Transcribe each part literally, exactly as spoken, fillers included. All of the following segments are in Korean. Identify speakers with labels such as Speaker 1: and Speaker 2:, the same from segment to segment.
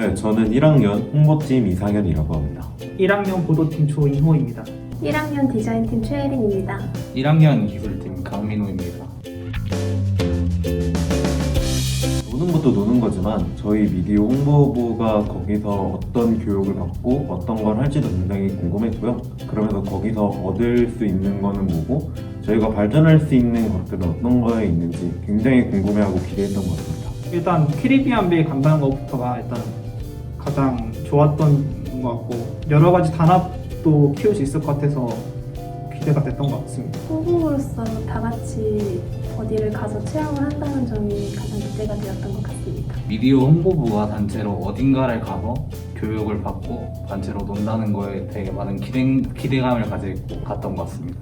Speaker 1: 네, 저는 일 학년 홍보팀 이상현이라고 합니다.
Speaker 2: 일 학년 보도팀 조인호입니다.
Speaker 3: 일 학년 디자인팀 최혜린입니다.
Speaker 4: 일 학년 기술팀 강민호입니다.
Speaker 1: 노는 것도 노는 거지만 저희 미디어 홍보부가 거기서 어떤 교육을 받고 어떤 걸 할지도 굉장히 궁금했고요. 그러면서 거기서 얻을 수 있는 거는 뭐고 저희가 발전할 수 있는 것들은 어떤 거에 있는지 굉장히 궁금해하고 기대했던 것 같습니다.
Speaker 2: 일단 캐리비안 베이 간다는 것부터가 일단 가장 좋았던 것 같고 여러 가지 단합도 키울 수 있을 것 같아서 기대가 됐던 것 같습니다.
Speaker 3: 홍보부로서 다 같이 어디를 가서 체험을 한다는 점이 가장 기대가 되었던 것 같습니다.
Speaker 4: 미디어 홍보부가 단체로 어딘가를 가서 교육을 받고 단체로 논다는 거에 되게 많은 기대, 기대감을 가지고 갔던 것 같습니다.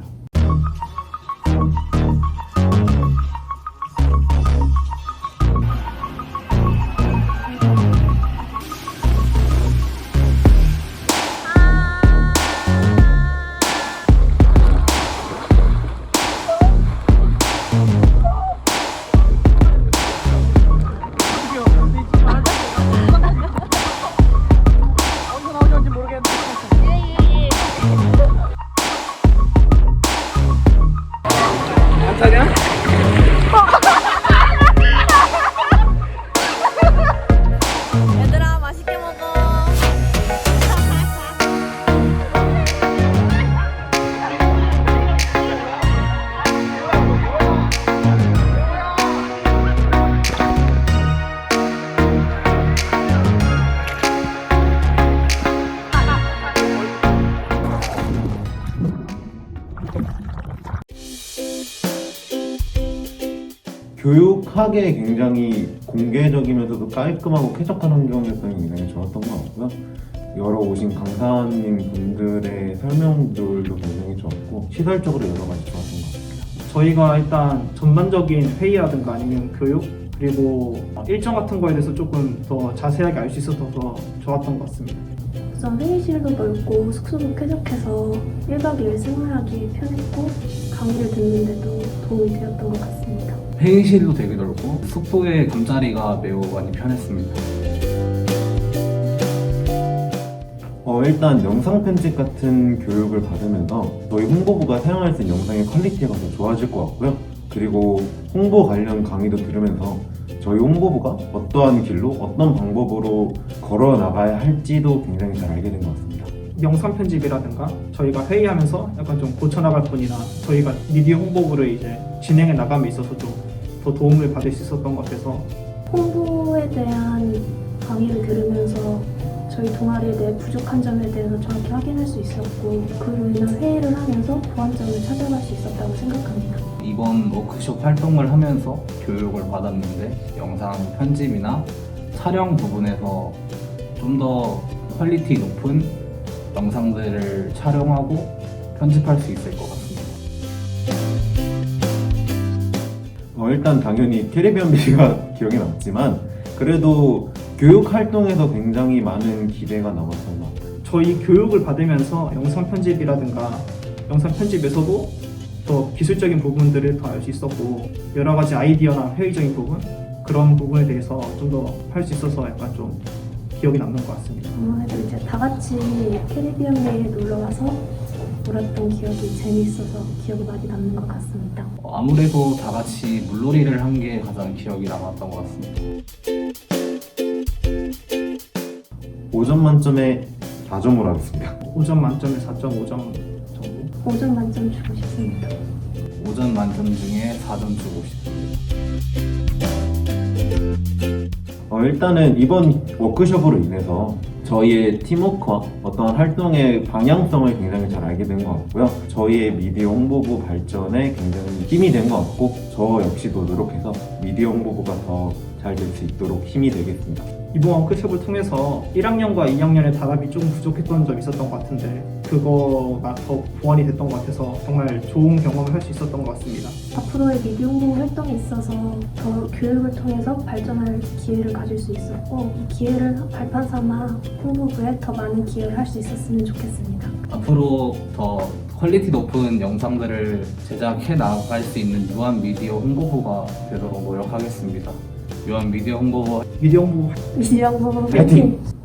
Speaker 5: 얘들아 맛있게 먹어.
Speaker 1: 교육하기에 굉장히 공개적이면서도 깔끔하고 쾌적한 환경이었던 게 굉장히 좋았던 것 같고요. 여러 오신 강사님 분들의 설명들도 굉장히 좋았고 시설적으로 여러 가지 좋았던 것 같습니다.
Speaker 2: 저희가 일단 전반적인 회의라든가 아니면 교육 그리고 일정 같은 거에 대해서 조금 더 자세하게 알 수 있어서 더 좋았던 것 같습니다.
Speaker 3: 우선 회의실도 넓고 숙소도 쾌적해서 일 박 이 일 생활하기 편했고 강의를 듣는데도 도움이 되었던 것 같습니다.
Speaker 4: 회의실도 되게 넓고 숙소의 잠자리가 매우 많이 편했습니다.
Speaker 1: 어, 일단 영상 편집 같은 교육을 받으면서 저희 홍보부가 사용할 수 있는 영상의 퀄리티가 더 좋아질 것 같고요. 그리고 홍보 관련 강의도 들으면서 저희 홍보부가 어떠한 길로 어떤 방법으로 걸어 나가야 할지도 굉장히 잘 알게 된 것 같습니다.
Speaker 2: 영상 편집이라든가 저희가 회의하면서 약간 좀 고쳐나갈 분이나 저희가 미디어 홍보부를 이제 진행해 나감에 있어서 좀 더 도움을 받을 수 있었던 것 같아서
Speaker 3: 홍보에 대한 강의를 들으면서 저희 동아리에 대해 부족한 점에 대해서 정확히 확인할 수 있었고 그로 인한 회의를 하면서 보완점을 찾아갈 수 있었다고 생각합니다.
Speaker 4: 이번 워크숍 활동을 하면서 교육을 받았는데 영상 편집이나 촬영 부분에서 좀 더 퀄리티 높은 영상들을 촬영하고 편집할 수 있을 것 같습니다.
Speaker 1: 어, 일단 당연히 캐리비안 베이가 기억에 남지만 그래도 교육 활동에서 굉장히 많은 기대가 남았던 것 같아요.
Speaker 2: 저희 교육을 받으면서 영상 편집이라든가 영상 편집에서도 더 기술적인 부분들을 더 알 수 있었고 여러 가지 아이디어나 회의적인 부분 그런 부분에 대해서 좀 더 할 수 있어서 약간 좀 기억이 남는 것 같습니다.
Speaker 3: 아무래도 이제 다 같이 캐리비안 베이에 놀러 와서 놀았던 기억이 재미있어서 기억이 많이 남는 것 같습니다.
Speaker 4: 어, 아무래도 다 같이 물놀이를 한 게 가장 기억이 남았던 것 같습니다.
Speaker 1: 오 점 만점에 사 점으로 하겠습니다.
Speaker 2: 오 점 만점에 사 점 오 점 정도?
Speaker 3: 오 점 만점 주고 싶습니다.
Speaker 4: 오 점 만점 중에 사 점 주고 싶습니다.
Speaker 1: 어, 일단은 이번 워크숍으로 인해서 저희의 팀워크와 어떤 활동의 방향성을 굉장히 잘 알게 된 것 같고요. 저희의 미디어 홍보부 발전에 굉장히 힘이 된 것 같고 저 역시도 노력해서 미디어 홍보부가 더 잘 될 수 있도록 힘이 되겠습니다.
Speaker 2: 이번 워크숍을 통해서 일 학년과 이 학년의 단합이 조금 부족했던 점이 있었던 것 같은데 그거가 더 보완이 됐던 것 같아서 정말 좋은 경험을 할 수 있었던 것 같습니다.
Speaker 3: 앞으로의 미디어 홍보 활동에 있어서 더 교육을 통해서 발전할 기회를 가질 수 있었고 이 기회를 발판 삼아 홍보부에 더 많은 기여를 할 수 있었으면 좋겠습니다.
Speaker 4: 앞으로 더 퀄리티 높은 영상들을 제작해 나갈 수 있는 유한 미디어 홍보부가 되도록 노력하겠습니다. 유한 미디어 홍보부
Speaker 2: 미디어 홍보
Speaker 3: 미디어 홍보
Speaker 1: 파이팅!
Speaker 3: 파이팅!